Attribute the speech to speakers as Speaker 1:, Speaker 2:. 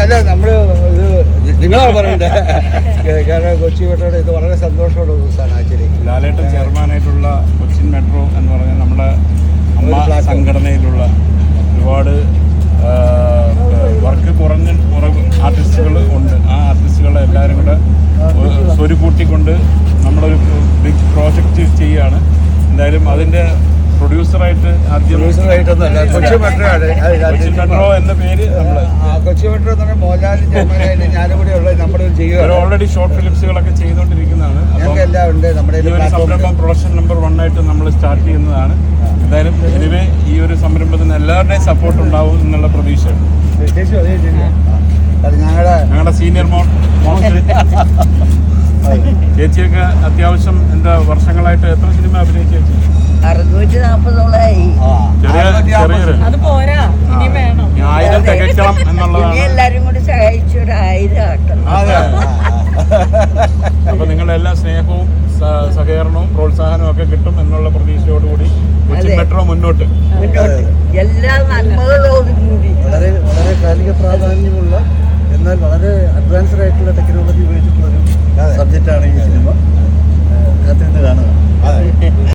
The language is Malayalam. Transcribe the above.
Speaker 1: അല്ല നമ്മള് ഇത് നിങ്ങളാണ് പറയണ്ടേ. കാരണം കൊച്ചി മെട്രോയുടെ ഇത് വളരെ സന്തോഷമുള്ള ദിവസമാണ് ആക്ച്വലി.
Speaker 2: ലാലേട്ടൻ ചെയർമാനായിട്ടുള്ള കൊച്ചിൻ മെട്രോ എന്ന് പറഞ്ഞാൽ നമ്മുടെ അമ്മ സംഘടനയിലുള്ള ഒരുപാട് വർക്ക് കുറഞ്ഞ ആർട്ടിസ്റ്റുകൾ ഉണ്ട്. ആ ആർട്ടിസ്റ്റുകളെ എല്ലാവരും കൂടെ സ്വരുക്കൂട്ടിക്കൊണ്ട് നമ്മളൊരു ബിഗ് പ്രോജക്റ്റ് ചെയ്യുകയാണ്. എന്തായാലും അതിൻ്റെ പ്രൊഡ്യൂസറായിട്ട് ആദ്യം
Speaker 1: കൊച്ചി
Speaker 2: മെട്രോ എന്ന പേര്
Speaker 1: കൊച്ചി മെട്രോ എന്ന് പറഞ്ഞാൽ മോഹൻലാലും ചെയർമാനായിട്ട് ഞാനും കൂടെ ഉള്ളത് നമ്മുടെ ചെയ്യുക.
Speaker 2: ഓൾറെഡി ഷോർട്ട് ഫിലിംസുകളൊക്കെ ചെയ്തുകൊണ്ടിരിക്കുന്നതാണ്.
Speaker 1: എല്ലാം ഉണ്ട് നമ്മുടെ
Speaker 2: ഈ ഒരു സംരംഭം പ്രൊഡക്ഷൻ നമ്പർ 1 ആയിട്ട് നമ്മൾ സ്റ്റാർട്ട് ചെയ്യുന്നതാണ്. എന്തായാലും എനിവേ ഈ ഒരു സംരംഭത്തിന് എല്ലാവരുടെയും സപ്പോർട്ട് ഉണ്ടാവും എന്നുള്ള പ്രതീക്ഷയാണ്. ഞങ്ങളുടെ സീനിയർ ചേച്ചിയൊക്കെ അത്യാവശ്യം എന്താ വർഷങ്ങളായിട്ട് എത്ര സിനിമ അഭിനയിച്ച ചേച്ചി?
Speaker 3: 640
Speaker 2: 1000 തികയ്ക്കണം എന്നുള്ളതാണ്.
Speaker 3: എല്ലാരും കൂടി സഹായിച്ചു 1000 ആക്കണം.
Speaker 2: അപ്പൊ നിങ്ങളുടെ എല്ലാ സ്നേഹവും സഹകരണവും പ്രോത്സാഹനവും ഒക്കെ കിട്ടും എന്നുള്ള പ്രതീക്ഷയോടുകൂടി കൊച്ചി മെട്രോ മുന്നോട്ട്
Speaker 3: എല്ലാ നന്മകളോടും കൂടി
Speaker 4: വളരെ വളരെ കാലിക പ്രാധാന്യമുള്ള എന്നാൽ വളരെ അഡ്വാൻസ്ഡ് ആയിട്ടുള്ള ടെക്നോളജി ഉപയോഗിച്ചിട്ടുള്ള ഒരു സബ്ജക്റ്റാണ് ഈ സിനിമ. കാത്തിരുന്ന് കാണുക.